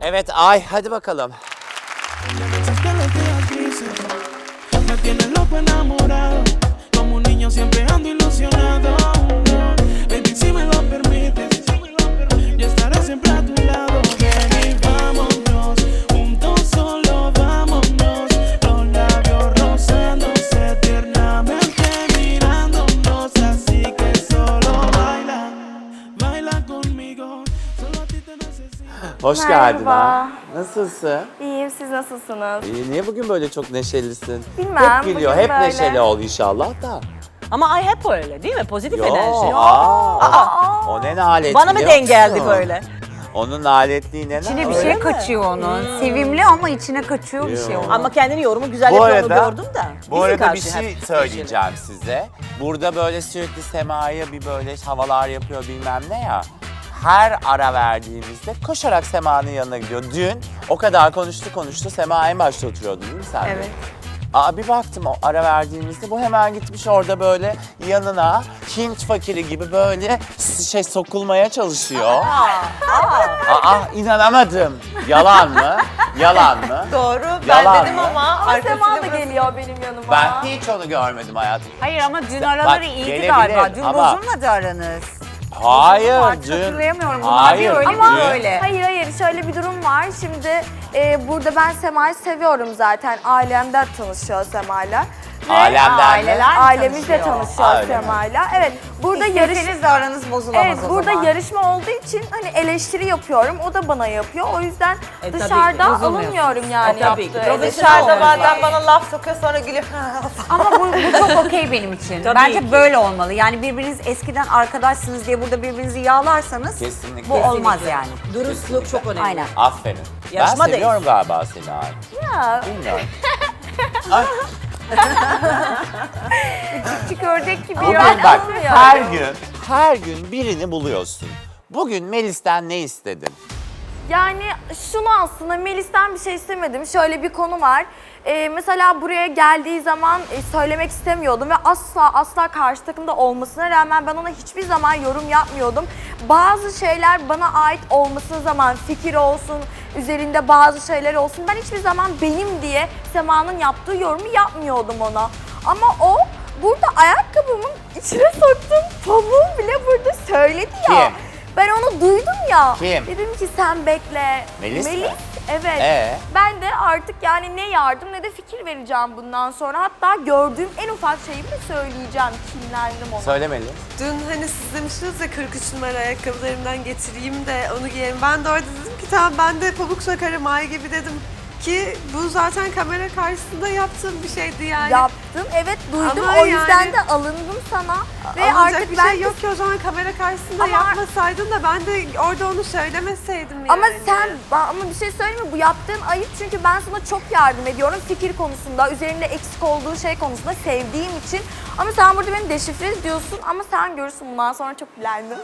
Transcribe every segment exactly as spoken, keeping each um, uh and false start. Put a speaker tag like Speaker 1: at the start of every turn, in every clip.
Speaker 1: Evet Ay, hadi bakalım.
Speaker 2: Me tienes loco enamorado, como un niño siempre ando ilusionado. Baby, si me lo permites, yo estaré siempre a tu lado. Ven y vámonos, juntos solo vámonos. Los labios rozándose tiernamente mirándonos. Así que solo baila, baila conmigo. Solo a ti te necesito.
Speaker 1: Hoş
Speaker 3: Merhaba.
Speaker 1: geldin ha. Nasılsın?
Speaker 3: İyiyim, siz nasılsınız?
Speaker 1: İyi, niye bugün böyle çok neşelisin?
Speaker 3: Bilmem,
Speaker 1: Hep gülüyor,
Speaker 3: bugün
Speaker 1: hep
Speaker 3: böyle.
Speaker 1: neşeli ol inşallah da.
Speaker 4: Ama ay hep öyle değil mi? Pozitif
Speaker 1: Yo,
Speaker 4: enerji.
Speaker 1: aa, o, o ne nalet
Speaker 4: Bana mı
Speaker 1: biliyor
Speaker 4: denk geldi
Speaker 1: musun?
Speaker 4: böyle?
Speaker 1: Onun naletliği ne
Speaker 5: İçine bir
Speaker 1: nalet?
Speaker 5: şey
Speaker 4: mi?
Speaker 5: kaçıyor onun. Sevimli ama içine kaçıyor bir şey
Speaker 1: Yo.
Speaker 5: onun.
Speaker 4: Ama kendini yorumu güzel
Speaker 1: Bu
Speaker 4: yapıyor
Speaker 1: arada,
Speaker 4: gördüm de.
Speaker 1: bu
Speaker 4: Bizim
Speaker 1: arada bir
Speaker 4: karşı
Speaker 1: şey
Speaker 4: hep
Speaker 1: söyleyeceğim size. Burada böyle sürekli Sema'ya bir böyle havalar yapıyor bilmem ne ya. Her ara verdiğimizde koşarak Sema'nın yanına gidiyor. Dün o kadar konuştu konuştu. Sema en başta oturuyordu değil mi sen de?
Speaker 5: Evet.
Speaker 1: Aa, bir baktım o ara verdiğimizde bu hemen gitmiş orada böyle yanına Hint fakiri gibi böyle şey sokulmaya çalışıyor. Aa, inanamadım. Yalan mı? Yalan mı?
Speaker 4: Doğru.
Speaker 1: Yalan
Speaker 4: Ben dedim
Speaker 1: mı?
Speaker 4: ama
Speaker 3: Ama Sema da
Speaker 4: arkasını
Speaker 3: geliyor benim yanıma.
Speaker 1: Ben hiç onu görmedim hayatım.
Speaker 5: Hayır ama dün araları iyiydi
Speaker 1: gelebilir
Speaker 5: galiba. Dün
Speaker 1: ama-
Speaker 5: bozulmadı aranız.
Speaker 1: Hayır
Speaker 5: Artık
Speaker 1: dün.
Speaker 5: hatırlayamıyorum. Bunlar
Speaker 1: Hayır,
Speaker 5: bir öyle
Speaker 1: dün.
Speaker 5: bir böyle.
Speaker 3: Hayır hayır, şöyle bir durum var. Şimdi e, burada ben Sema'yı seviyorum zaten. Ailemden tanışıyor Sema'yla. Ve
Speaker 1: Ailemden mi?
Speaker 5: aileler mi
Speaker 3: ailemizle
Speaker 5: tanışıyor?
Speaker 3: tanışıyor
Speaker 1: Öyle mi?
Speaker 3: Sema'yla. Evet, burada yarış
Speaker 5: İsteseniz de aranız bozulamaz
Speaker 3: Evet,
Speaker 5: o
Speaker 3: burada
Speaker 5: zaman.
Speaker 3: yarışma olduğu için hani eleştiri yapıyorum. O da bana yapıyor. O yüzden
Speaker 4: E, tabii ki,
Speaker 3: dışarıda
Speaker 5: bozulmuyorsun.
Speaker 3: alınmıyorum yani
Speaker 4: E, tabii ki.
Speaker 3: yaptığı
Speaker 4: Profesyonel
Speaker 3: eleştiri.
Speaker 4: olmak
Speaker 6: Dışarıda bazen
Speaker 4: lazım.
Speaker 6: bana laf sokuyor sonra gülüyor.
Speaker 5: Ama bu, bu çok okey benim için.
Speaker 4: Tabii
Speaker 5: Bence
Speaker 4: ki.
Speaker 5: böyle olmalı. Yani birbiriniz eskiden arkadaşsınız diye burada birbirinizi yağlarsanız
Speaker 1: Kesinlikle.
Speaker 5: bu olmaz
Speaker 4: Kesinlikle.
Speaker 5: yani.
Speaker 4: Dürüstlük çok önemli.
Speaker 5: Aynen.
Speaker 1: Aferin.
Speaker 4: Yarışma
Speaker 1: ben seviyorum galiba seni Ay.
Speaker 3: Ya,
Speaker 1: Bilmiyorum. Ay,
Speaker 3: küçük ördek gibi
Speaker 1: bugün
Speaker 3: ya.
Speaker 1: bak
Speaker 3: Olmuyor.
Speaker 1: her gün, her gün birini buluyorsun. Bugün Melis'ten ne istedin?
Speaker 3: Yani şunu aslında Melis'ten bir şey istemedim. Şöyle bir konu var. Ee, mesela buraya geldiği zaman e, söylemek istemiyordum ve asla asla karşı takımda olmasına rağmen ben ona hiçbir zaman yorum yapmıyordum. Bazı şeyler bana ait olmasına zaman fikir olsun, üzerinde bazı şeyler olsun. Ben hiçbir zaman benim diye Sema'nın yaptığı yorumu yapmıyordum ona. Ama o burada ayakkabımın içine soktuğum pamuğu bile burada söyledi ya.
Speaker 1: Kim?
Speaker 3: Ben onu duydum ya.
Speaker 1: Kim?
Speaker 3: Dedim ki sen bekle.
Speaker 1: Melis mi?
Speaker 3: Evet.
Speaker 1: Ee?
Speaker 3: Ben de artık yani ne yardım ne de fikir vereceğim bundan sonra. Hatta gördüğüm en ufak şeyi bile söyleyeceğim. Kinlendim ona.
Speaker 1: Söyle Melis.
Speaker 6: Dün hani siz demiştiniz ya kırk üç numara ayakkabılarımdan getireyim de onu giyerim. Ben de orada dedim ki tamam ben de pamuk sokarım ay gibi dedim. Ki bu zaten kamera karşısında yaptığım bir şeydi yani.
Speaker 3: Yaptım. Evet duydum.
Speaker 6: Ama
Speaker 3: o yüzden
Speaker 6: yani-
Speaker 3: de alındım sana. Ve
Speaker 6: Alınacak
Speaker 3: artık
Speaker 6: bir
Speaker 3: ben
Speaker 6: şey yok ki o zaman kamera karşısında
Speaker 3: Ama-
Speaker 6: yapmasaydın da ben de orada onu söylemeseydim yani.
Speaker 3: Ama sen, ama bir şey söyleyeyim mi? Bu yaptığın ayıp çünkü ben sana çok yardım ediyorum fikir konusunda, üzerinde eksik olduğu şey konusunda sevdiğim için. Ama sen burada beni deşifre ediyorsun ama sen görürsün bundan sonra çok bilendim.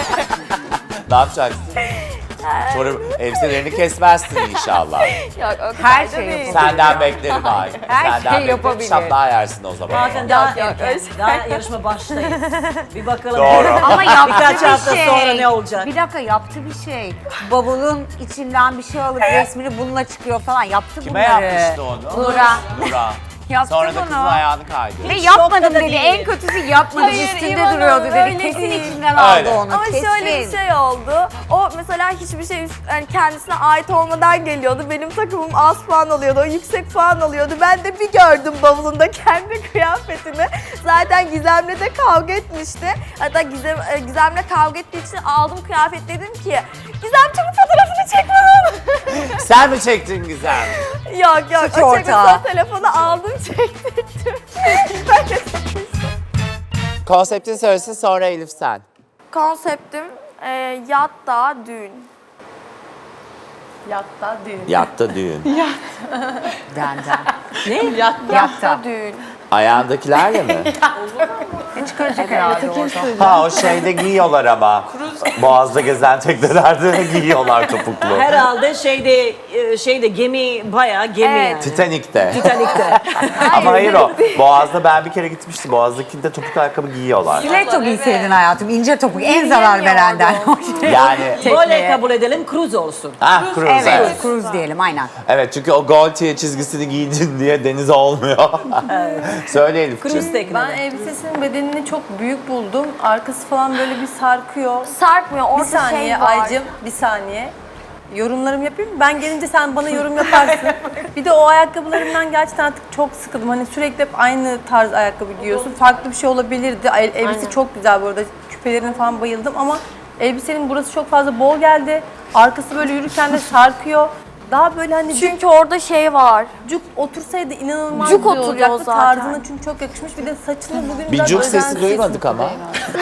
Speaker 1: Ne yapacaksın? Sonra elbiselerini kesmezsin inşallah.
Speaker 3: Yok o kadar
Speaker 5: Her
Speaker 3: da
Speaker 5: şey
Speaker 3: değil.
Speaker 5: yapabilir.
Speaker 1: Senden beklerim Ay.
Speaker 5: Her
Speaker 1: Senden
Speaker 5: şey
Speaker 1: beklerim.
Speaker 5: yapabilir.
Speaker 1: Şaplığa yersin o zaman.
Speaker 4: Zaten daha
Speaker 3: Yok, yok,
Speaker 4: erken.
Speaker 3: öyle
Speaker 4: Daha yarışma baştayız. Bir bakalım.
Speaker 1: Doğru.
Speaker 5: Ama yaptı
Speaker 4: Birkaç
Speaker 5: bir
Speaker 4: hafta
Speaker 5: şey.
Speaker 4: sonra ne olacak?
Speaker 5: Bir dakika yaptı bir şey. Bavulun içinden bir şey alıp resmini bununla çıkıyor falan. Yaptı
Speaker 1: Kime
Speaker 5: bunları.
Speaker 1: yapmıştı onu?
Speaker 5: Nur'a.
Speaker 1: Nur'a.
Speaker 5: Yaptı
Speaker 1: Sonra da
Speaker 5: bunu.
Speaker 1: kızın ayağını kaydırdı.
Speaker 5: Ve
Speaker 4: Hiç
Speaker 5: yapmadım
Speaker 4: şokta da
Speaker 5: dedi.
Speaker 4: değilim.
Speaker 5: En kötüsü yapmadım.
Speaker 3: Hayır,
Speaker 5: Üstünde
Speaker 3: İvan'a
Speaker 5: duruyordu dedi.
Speaker 3: öyle
Speaker 5: Kesin
Speaker 3: değil.
Speaker 5: içinden aldı
Speaker 1: Öyle.
Speaker 5: onu.
Speaker 3: Ama
Speaker 5: Kesin.
Speaker 3: şöyle bir şey oldu. O mesela hiçbir şey üst- yani kendisine ait olmadan geliyordu. Benim takımım az puan alıyordu. O yüksek puan alıyordu. Ben de bir gördüm bavulunda kendi kıyafetimi. Zaten Gizem'le de kavga etmişti. Hatta Gizem, e, Gizem'le kavga ettiği için aldım kıyafet, dedim ki Gizem çabuk fotoğrafını çekme onu.
Speaker 1: Sen mi çektin Gizem?
Speaker 3: Yok yok.
Speaker 5: Suç
Speaker 3: o çekme,
Speaker 5: ortağı.
Speaker 3: sonra telefonu aldım çektirdim. Böyle çekmiştim.
Speaker 1: Konseptin söylesin sonra Elif sen.
Speaker 3: Konseptim e, yatta düğün. Yatta düğün.
Speaker 1: Yatta düğün.
Speaker 5: Benden.
Speaker 4: Ne?
Speaker 5: Yatta.
Speaker 3: Yatta düğün.
Speaker 1: Ayağındakilerle mi?
Speaker 5: Çıkaracak herhalde orada.
Speaker 1: Ha o şeyde giyiyorlar ama. Boğaz'da gezen teknelerde giyiyorlar topuklu.
Speaker 4: Herhalde şeyde e, şeyde gemi bayağı gemi
Speaker 3: Evet.
Speaker 4: yani.
Speaker 1: Titanik'te.
Speaker 4: Titanik'te.
Speaker 1: Ama hayır o. Boğaz'da ben bir kere gitmiştim. Boğaz'dakinde topuk ayakkabı giyiyorlar.
Speaker 5: Stiletto giyseydin hayatım. İnce topuk en zarar verenden.
Speaker 1: Yani
Speaker 4: Böyle kabul edelim cruise olsun.
Speaker 1: ha cruise evet.
Speaker 5: Evet,
Speaker 1: evet.
Speaker 5: cruise diyelim aynen.
Speaker 1: Evet çünkü o Gaultier çizgisini giydin diye denize olmuyor. Söyle Elif'ciğim.
Speaker 4: Cruise teknede.
Speaker 7: Ben elbisesinin bedenini çok büyük buldum. Arkası falan böyle bir sarkıyor.
Speaker 3: Sarkmıyor.
Speaker 7: Bir
Speaker 3: Orada
Speaker 7: saniye
Speaker 3: şey var.
Speaker 7: Aycım, bir saniye. Yorumlarımı yapayım mı? Ben gelince sen bana yorum yaparsın. Bir de o ayakkabılarımdan gerçekten artık çok sıkıldım. Hani sürekli hep aynı tarz ayakkabı giyiyorsun. Farklı bir şey olabilirdi. El- Elbise çok güzel bu arada. Küpelerine falan bayıldım ama elbisenin burası çok fazla bol geldi. Arkası böyle yürürken de sarkıyor. Daha böyle hani
Speaker 3: Çünkü orada şey var.
Speaker 7: cuk otursaydı inanılmaz
Speaker 3: Cuk
Speaker 7: güzel
Speaker 3: oturuyor
Speaker 7: olacaktı.
Speaker 3: zaten.
Speaker 7: Tarzına çünkü çok yakışmış. Bir de saçını bugün
Speaker 1: Bir
Speaker 7: biraz
Speaker 1: cuk sesi
Speaker 7: özensiz.
Speaker 1: duymadık ama.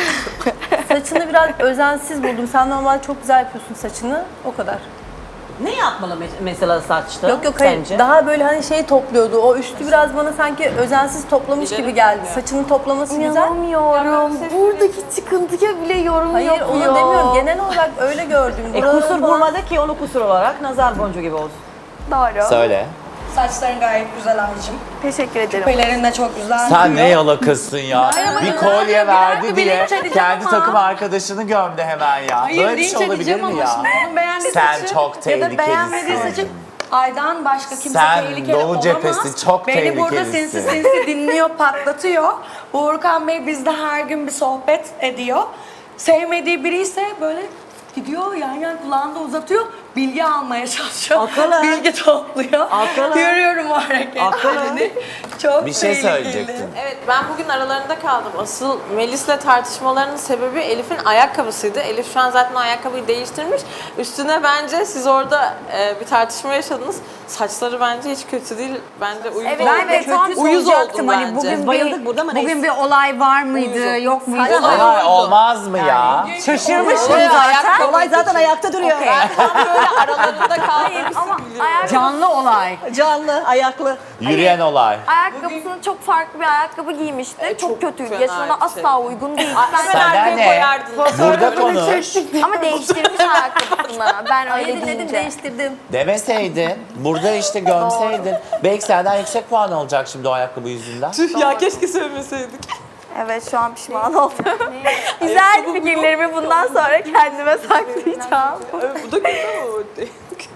Speaker 7: Saçını biraz özensiz buldum. Sen normalde çok güzel yapıyorsun saçını. O kadar.
Speaker 4: Ne yapmalı mes- mesela saçta?
Speaker 7: Yok yok hayır.
Speaker 4: sence?
Speaker 7: Daha böyle hani şey topluyordu. O üstü biraz bana sanki özensiz toplamış gibi geldi. Saçını toplaması güzel.
Speaker 3: İnanamıyorum. Buradaki çıkıntıya bile yorum
Speaker 7: Hayır
Speaker 3: yapıyor.
Speaker 7: onu demiyorum. Genel olarak öyle gördüm.
Speaker 4: E,
Speaker 7: Buraları
Speaker 4: kusur
Speaker 7: falan-
Speaker 4: bulmadı ki onu kusur olarak nazar boncuğu gibi olsun.
Speaker 3: Doğru.
Speaker 1: Söyle.
Speaker 8: Saçların gayet güzel Aycım.
Speaker 3: Teşekkür ederim.
Speaker 8: Küpelerin de çok güzel.
Speaker 1: Sen ne yalakasın ya. Bir kolye verdi
Speaker 8: dakika,
Speaker 1: diye
Speaker 8: bilinç edeceğim
Speaker 1: kendi
Speaker 8: ama.
Speaker 1: takım arkadaşını gömdü hemen ya.
Speaker 8: Hayır,
Speaker 1: Böyle bir
Speaker 8: linç
Speaker 1: şey olabilir
Speaker 8: edeceğim
Speaker 1: mi
Speaker 8: ama
Speaker 1: ya?
Speaker 8: şimdi onun beğendiği
Speaker 1: Sen
Speaker 8: saçı
Speaker 1: çok
Speaker 8: ya da beğenmediği
Speaker 1: tehlikelisin.
Speaker 8: saçı Aydan başka kimse
Speaker 1: Sen
Speaker 8: tehlikeli
Speaker 1: Doğu
Speaker 8: olamaz.
Speaker 1: cephesi çok
Speaker 8: Beni burada
Speaker 1: tehlikelisin.
Speaker 8: sinsi sinsi dinliyor, patlatıyor. Uğurkan Bey bizde her gün bir sohbet ediyor. Sevmediği biri ise böyle gidiyor yan yan kulağında uzatıyor. Bilgi almaya çalışıyor.
Speaker 4: Akıllı.
Speaker 8: Bilgi topluyor.
Speaker 4: Akıllı.
Speaker 8: Görüyorum o hareketlerini. Çok
Speaker 1: Bir şey
Speaker 8: tehlikeli.
Speaker 1: söyleyecektin.
Speaker 9: Evet ben bugün aralarında kaldım. Asıl Melis'le tartışmalarının sebebi Elif'in ayakkabısıydı. Elif şu an zaten o ayakkabıyı değiştirmiş. Üstüne bence siz orada e, bir tartışma yaşadınız. Saçları bence hiç kötü değil. Bence uyuz
Speaker 3: Evet,
Speaker 9: oldu.
Speaker 5: Ben de tam
Speaker 9: uyuz
Speaker 5: soracaktım
Speaker 9: oldum
Speaker 5: hani
Speaker 9: bence.
Speaker 5: bugün
Speaker 4: Bayıldık
Speaker 5: bir,
Speaker 4: burada ama
Speaker 5: bugün
Speaker 4: neyse.
Speaker 5: bir olay var mıydı, yok muydu?
Speaker 1: Ay, olmaz mı ya?
Speaker 5: Şaşırmışım
Speaker 9: Evet,
Speaker 5: zaten.
Speaker 9: ayakkabı
Speaker 4: Olay zaten ayakta duruyor.
Speaker 9: Ben tam böyle aralarında kaldım.
Speaker 3: Ama ayakkabı,
Speaker 5: Canlı olay.
Speaker 4: Canlı, ayaklı.
Speaker 1: Yürüyen olay.
Speaker 3: ayakkabısını çok farklı bir ayakkabı giymişti.
Speaker 9: E,
Speaker 3: çok,
Speaker 9: çok
Speaker 3: kötüydü.
Speaker 9: fena
Speaker 3: Yaşına
Speaker 9: bir
Speaker 3: asla
Speaker 9: şey.
Speaker 3: uygun değil.
Speaker 9: Hemen
Speaker 1: Senden
Speaker 9: arkaya
Speaker 1: ne?
Speaker 9: koyardın.
Speaker 1: Burada konuş.
Speaker 3: Ama değiştirmiş ayakkabısını. Ben öyle
Speaker 7: Öyle dinledim
Speaker 3: deyince.
Speaker 7: değiştirdim.
Speaker 1: Demeseydin, burada işte gömseydin. Belki senden yüksek puan olacak şimdi o ayakkabı yüzünden.
Speaker 9: Tüh ya keşke söylemeseydik.
Speaker 3: Evet şu an pişman oldum. Güzel fikirlerimi bundan sonra kendime saklayacağım.
Speaker 9: Bu da kötü ama.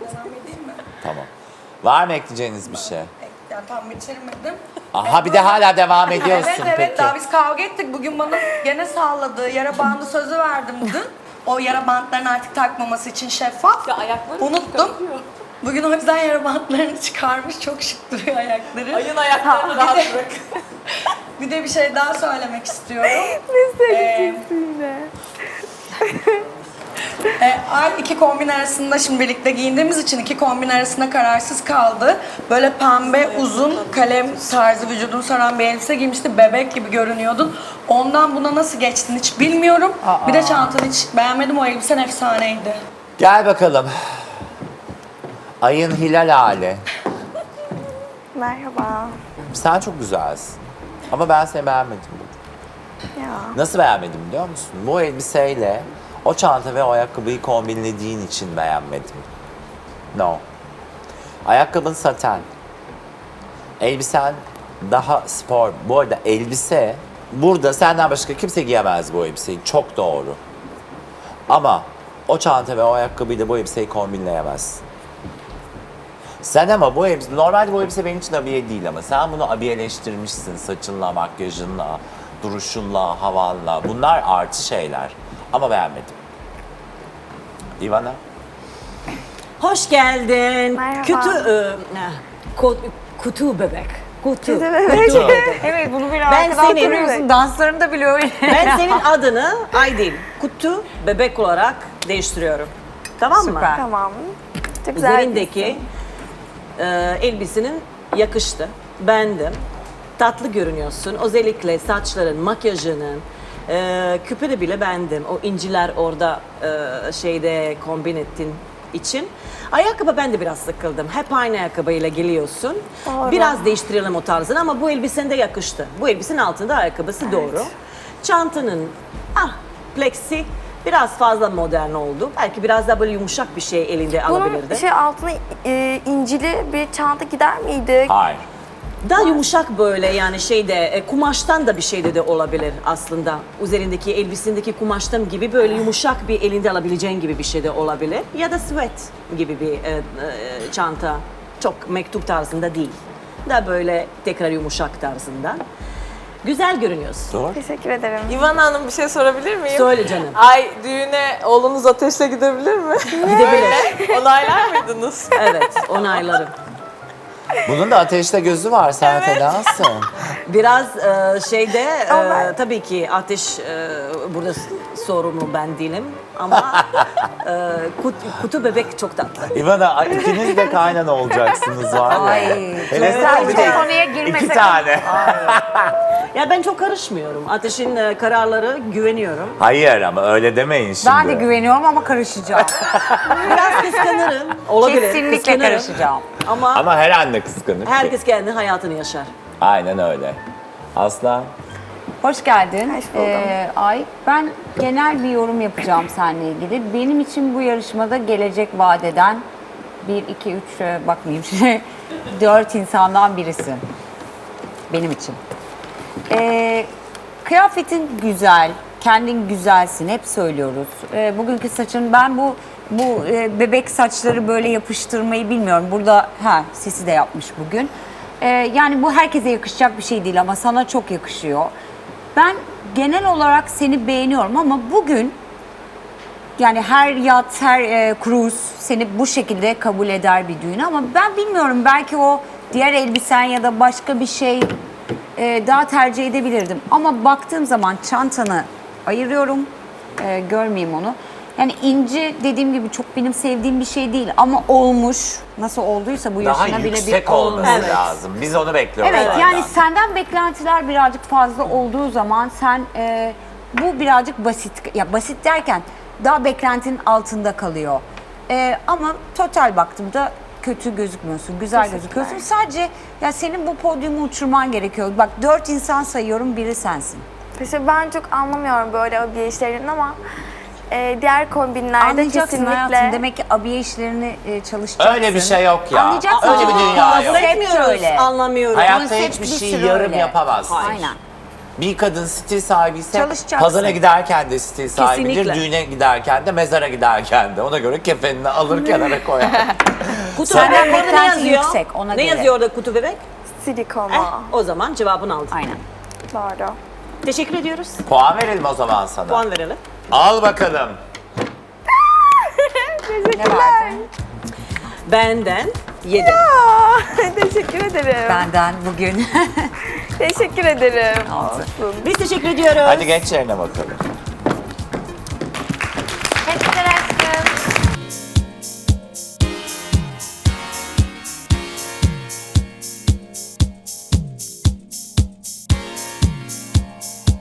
Speaker 1: Tamam. Var mı ekleyeceğiniz bir şey?
Speaker 8: Ya tam bitirmedim.
Speaker 1: Aha bir de hala devam ediyorsun
Speaker 8: Evet evet
Speaker 1: peki.
Speaker 8: daha biz kavga ettik. Bugün bana gene salladı. Yara bandı sözü verdim dün. O yara bantlarını artık takmaması için şeffaf.
Speaker 9: Ya ayakları
Speaker 8: Unuttum. Bugün o yüzden yara bantlarını çıkarmış. Çok şık duruyor ayakları.
Speaker 9: Ayın ayaklarını rahat bırak.
Speaker 8: Bir de bir şey daha söylemek istiyorum.
Speaker 3: Ne söyleyeceksin
Speaker 8: yine? E, Ay iki kombin arasında şimdi birlikte giyindiğimiz için iki kombin arasında kararsız kaldı. Böyle pembe uzun kalem tarzı vücudunu saran bir elbise giymişti. Bebek gibi görünüyordun. Ondan buna nasıl geçtin hiç bilmiyorum. Bir de çantanı hiç beğenmedim. O elbisen efsaneydi.
Speaker 1: Gel bakalım. Ayın hilal hali.
Speaker 3: Merhaba.
Speaker 1: Sen çok güzelsin. Ama ben seni beğenmedim.
Speaker 3: Ya.
Speaker 1: Nasıl beğenmedim biliyor musun? Bu elbiseyle o çanta ve o ayakkabıyı kombinlediğin için beğenmedim. No. Ayakkabın saten. Elbisen daha spor. Bu arada elbise, burada senden başka kimse giyemez bu elbiseyi. Çok doğru. Ama o çanta ve o ayakkabıyla bu elbiseyi kombinleyemezsin. Sen ama bu elbise, normalde bu elbise benim için abiye değil ama sen bunu abiyeleştirmişsin saçınla, makyajınla, duruşunla, havanla. Bunlar artı şeyler. Ama beğenmedim. Ivana?
Speaker 4: Hoş geldin.
Speaker 3: Merhaba.
Speaker 4: Kötü, e, ko- kutu bebek. Kutu.
Speaker 1: Kutu.
Speaker 5: Evet bunu bir
Speaker 4: Ben
Speaker 5: arkadan
Speaker 4: senin-
Speaker 5: duruyorsun. Danslarını da biliyor.
Speaker 4: Ben senin adını Aydin, kutu bebek olarak değiştiriyorum. Tamam mı?
Speaker 5: Süper.
Speaker 3: Tamam. Çok güzel.
Speaker 4: Üzerindeki e, elbisenin yakıştı. Beğendim. Tatlı görünüyorsun. Özellikle saçların, makyajının, e, küpeni bile beğendim. O inciler orada e, şeyde kombin ettin. için. Ayakkabı ben de biraz sıkıldım. Hep aynı ayakkabıyla geliyorsun. Biraz değiştirelim o tarzını ama bu elbisen de yakıştı. Bu elbisenin altında ayakkabısı doğru. Çantanın ah plexi biraz fazla modern oldu. Belki biraz daha böyle yumuşak bir şey elinde alabilirdi.
Speaker 3: Bunun şey altına e, incili bir çanta gider miydi?
Speaker 1: Hayır.
Speaker 4: Daha yumuşak böyle yani şeyde e, kumaştan da bir şeyde de olabilir aslında. Üzerindeki elbisindeki kumaştan gibi böyle yumuşak bir elinde alabileceğin gibi bir şey de olabilir. Ya da sweat gibi bir e, e, çanta. Çok mektup tarzında değil. Daha böyle tekrar yumuşak tarzında. Güzel görünüyorsun.
Speaker 1: Doğru.
Speaker 3: Teşekkür ederim.
Speaker 9: İvana Hanım bir şey sorabilir miyim?
Speaker 4: Söyle canım.
Speaker 9: Ay düğüne oğlunuz Ateş'le gidebilir mi?
Speaker 4: Gidebilir.
Speaker 9: Onaylar mıydınız?
Speaker 4: Evet, onaylarım.
Speaker 1: Bunun da ateşte gözü var, sen fenasın.
Speaker 4: Biraz e, şeyde e, tabii ki ateş e, burada sorumlu ben değilim ama e, kut, kutu bebek çok tatlı.
Speaker 1: İvana, ikiniz de kaynana olacaksınız var ya.
Speaker 5: Ay,
Speaker 1: Hele
Speaker 5: güzel.
Speaker 1: sen bir de
Speaker 5: Konuya girmesek.
Speaker 1: iki tane.
Speaker 4: Ya ben çok karışmıyorum. Ateşin e, kararları güveniyorum.
Speaker 1: Hayır ama öyle demeyin şimdi.
Speaker 5: Ben de güveniyorum ama karışacağım.
Speaker 4: Biraz kıskanırım. Olabilir.
Speaker 5: Kesinlikle
Speaker 4: kıskanırım.
Speaker 5: karışacağım.
Speaker 4: Ama,
Speaker 1: Ama her anne kıskanır.
Speaker 4: herkes kendi hayatını yaşar.
Speaker 1: Aynen öyle. Aslan.
Speaker 5: Hoş geldin.
Speaker 3: Hoş buldum.
Speaker 5: Ee, Ay, ben genel bir yorum yapacağım seninle ilgili. Benim için bu yarışmada gelecek vadeden bir, iki, üç, e, bakmayayım şimdi, dört insandan birisin. Benim için. Ee, kıyafetin güzel, kendin güzelsin, hep söylüyoruz. Ee, bugünkü saçın, ben bu bu e, bebek saçları böyle yapıştırmayı bilmiyorum. Burada, ha Sesi de yapmış bugün. Ee, yani bu herkese yakışacak bir şey değil ama sana çok yakışıyor. Ben genel olarak seni beğeniyorum ama bugün yani her yat, her e, cruise seni bu şekilde kabul eder bir düğün ama ben bilmiyorum, belki o diğer elbisen ya da başka bir şey e, daha tercih edebilirdim. Ama baktığım zaman çantanı ayırıyorum, e, görmeyeyim onu. Yani inci dediğim gibi çok benim sevdiğim bir şey değil ama olmuş. Nasıl olduysa bu
Speaker 1: Daha
Speaker 5: yaşına bile
Speaker 1: yüksek
Speaker 5: bir
Speaker 1: olması
Speaker 5: olmuş.
Speaker 1: lazım. Biz onu bekliyoruz.
Speaker 5: Evet,
Speaker 1: senden.
Speaker 5: yani senden beklentiler birazcık fazla olduğu zaman sen e, bu birazcık basit, ya basit derken daha beklentinin altında kalıyor. E, ama total baktığımda kötü gözükmüyorsun, güzel gözüküyorsun. Sadece ya senin bu podyumu uçurman gerekiyor. Bak dört insan sayıyorum, biri sensin.
Speaker 3: Teşekkür, ben çok anlamıyorum böyle abiye işlerini ama e, diğer kombinlerde
Speaker 5: Anlayacaksın
Speaker 3: kesinlikle.
Speaker 5: hayatım, demek ki abiye işlerini e, çalışacaksın.
Speaker 1: Öyle bir şey yok ya.
Speaker 5: Anlayacaksın.
Speaker 1: Öyle bir dünya
Speaker 5: Aa,
Speaker 1: yok.
Speaker 5: konsept
Speaker 4: Etmiyoruz,
Speaker 5: öyle.
Speaker 4: anlamıyorum.
Speaker 1: Hayatta
Speaker 5: Konsept
Speaker 1: hiçbir
Speaker 5: bir
Speaker 1: şey
Speaker 5: sürü
Speaker 1: yarım
Speaker 5: öyle.
Speaker 1: yapamazsın.
Speaker 5: Aynen.
Speaker 1: Bir kadın stil sahibiyse
Speaker 5: Çalışacaksın.
Speaker 1: pazara giderken de stil sahibidir,
Speaker 4: Kesinlikle.
Speaker 1: düğüne giderken de, mezara giderken de. Ona göre kefenini alır kenara koyar.
Speaker 4: Kutu
Speaker 5: Senden
Speaker 4: bebek orada ne
Speaker 5: beklenti
Speaker 4: yazıyor?
Speaker 5: yüksek, ona
Speaker 4: ne
Speaker 5: göre.
Speaker 4: yazıyor orada kutu bebek?
Speaker 3: Silikonu.
Speaker 4: Eh, o zaman cevabını aldın.
Speaker 5: Aynen.
Speaker 3: Doğru.
Speaker 4: Teşekkür ediyoruz.
Speaker 1: Puan verelim o zaman sana.
Speaker 4: Puan verelim.
Speaker 1: Al bakalım.
Speaker 5: Ne verdin?
Speaker 4: Benden yedi.
Speaker 3: Teşekkür ederim.
Speaker 5: Benden bugün.
Speaker 3: Teşekkür ederim.
Speaker 4: Biz teşekkür ediyoruz.
Speaker 1: Hadi geç yerine bakalım.